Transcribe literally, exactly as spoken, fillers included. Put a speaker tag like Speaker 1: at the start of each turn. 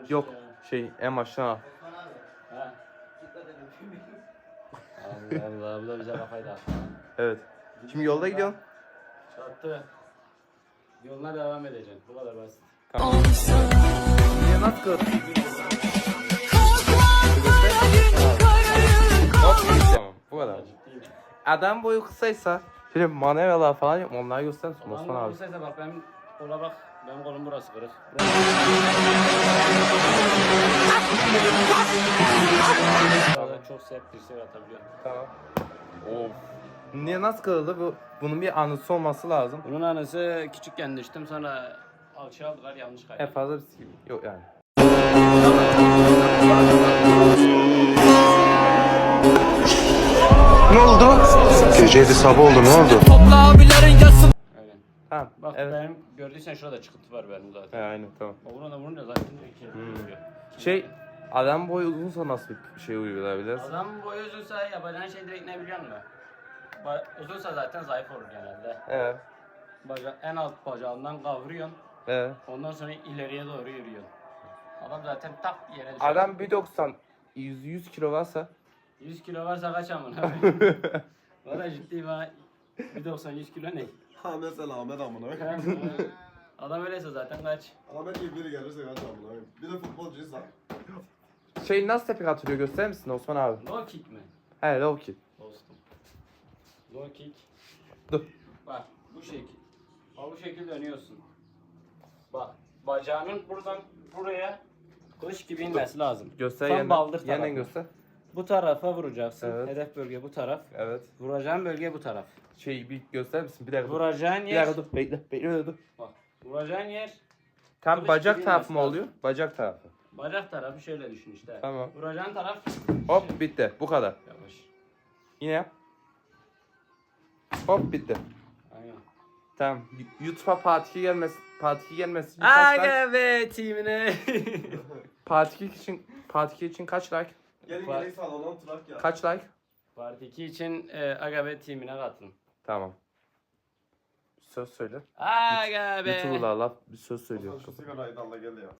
Speaker 1: Yok şey en baştan al.
Speaker 2: Ha. Allah Allah bu da bize kafayı dağıttı.
Speaker 1: Evet. Şimdi yolda gidiyorsun.
Speaker 2: Çattı. Yoluna devam edeceksin. Bu kadar basit.
Speaker 1: Tamam. Niye nasıl kır? Tamam bu kadar.
Speaker 2: Ciddiyim.
Speaker 1: Adam boyu kısaysa şöyle manevralar falan yok mu? Onları göster misin Osman
Speaker 2: Osman
Speaker 1: abi?
Speaker 2: abi. Bak benim kola bak. Benim kolum burası kırık. Burası çok sert bir şey atabiliyor.
Speaker 1: Tamam. Of. Niye nasıl kırıldı? Bu, bunun bir anısı olması lazım.
Speaker 2: Bunun anısı küçükken düştüm sonra alçıya aldılar yanlış
Speaker 1: En
Speaker 2: kaydı.
Speaker 1: fazla bir şey yok yani.
Speaker 3: Ne oldu? Geceydi sabah oldu ne oldu?
Speaker 2: Aynen.
Speaker 1: Tamam.
Speaker 2: Bak
Speaker 1: Evet.
Speaker 2: benim gördüysen şurada çıkıntı var benim zaten.
Speaker 1: He, aynen tamam.
Speaker 2: O buna da vurunca zaten iki
Speaker 1: Hmm. Şey adam boyu uzunsa nasıl bir şey uygulayabiliriz?
Speaker 2: Adam boyu uzunsa yapacağın şey direkt ne biliyor musun? Ba uzunsa zaten zayıf olur genelde.
Speaker 1: Evet.
Speaker 2: Baca en alt bacağından kavruyorsun.
Speaker 1: Evet.
Speaker 2: Ondan sonra ileriye doğru yürüyorsun. Adam zaten tak yere düşer.
Speaker 1: Adam bir doksan yüz yüz kilo varsa
Speaker 2: yüz kilo varsa kaç amına? Valla ciddiyim ha. bir doksan yüz kilo ne?
Speaker 4: Ha mesela Ahmet amına.
Speaker 2: Adam öyleyse zaten kaç?
Speaker 4: Ahmet gibi biri gelirse kaç amına. Bir de futbolcuysa.
Speaker 1: şey nasıl tepki atılıyor gösterir misin Osman abi?
Speaker 2: Low kick mi?
Speaker 1: He low kick.
Speaker 2: Dostum. Low kick.
Speaker 1: Dur.
Speaker 2: Bak bu şekil. Bak bu şekil dönüyorsun. Bak bacağının buradan buraya kılıç gibi inmesi lazım.
Speaker 1: Göster
Speaker 2: Tam
Speaker 1: yeniden.
Speaker 2: baldır
Speaker 1: Yeniden
Speaker 2: tarafı.
Speaker 1: göster.
Speaker 2: Bu tarafa vuracaksın.
Speaker 1: Evet.
Speaker 2: Hedef bölge bu taraf.
Speaker 1: Evet.
Speaker 2: Vuracağın bölge bu taraf.
Speaker 1: Şey bir gösterir misin? Bir dakika dur.
Speaker 2: Vuracağın
Speaker 1: Bir
Speaker 2: yer.
Speaker 1: dakika dur. Bekle. Bekle dur.
Speaker 2: Bak. Vuracağın yer.
Speaker 1: Tam
Speaker 2: Kılıç
Speaker 1: bacak
Speaker 2: gibi
Speaker 1: tarafı mı
Speaker 2: inmesi
Speaker 1: oluyor? Bacak tarafı.
Speaker 2: Bacak tarafı şöyle düşün işte.
Speaker 1: Tamam.
Speaker 2: Vuracağın taraf.
Speaker 1: Hop bitti. Bu kadar.
Speaker 2: Yavaş.
Speaker 1: Yine yap. Hop bitti.
Speaker 2: Aynen.
Speaker 1: Tamam. YouTube'a Part iki gelmesi, Part iki gelmesi için kaç like?
Speaker 2: Aga be timine.
Speaker 1: Part iki için Part iki için kaç like?
Speaker 4: Gelin
Speaker 2: Bak.
Speaker 4: gelin salondan trak ya.
Speaker 1: Kaç like?
Speaker 2: Part iki için e, Aga be timine katılın.
Speaker 1: Tamam. Bir söz söyle.
Speaker 2: Aga be.
Speaker 1: YouTuber'la laf bir söz söylüyor.
Speaker 4: Şu sigarayı da al da gel ya.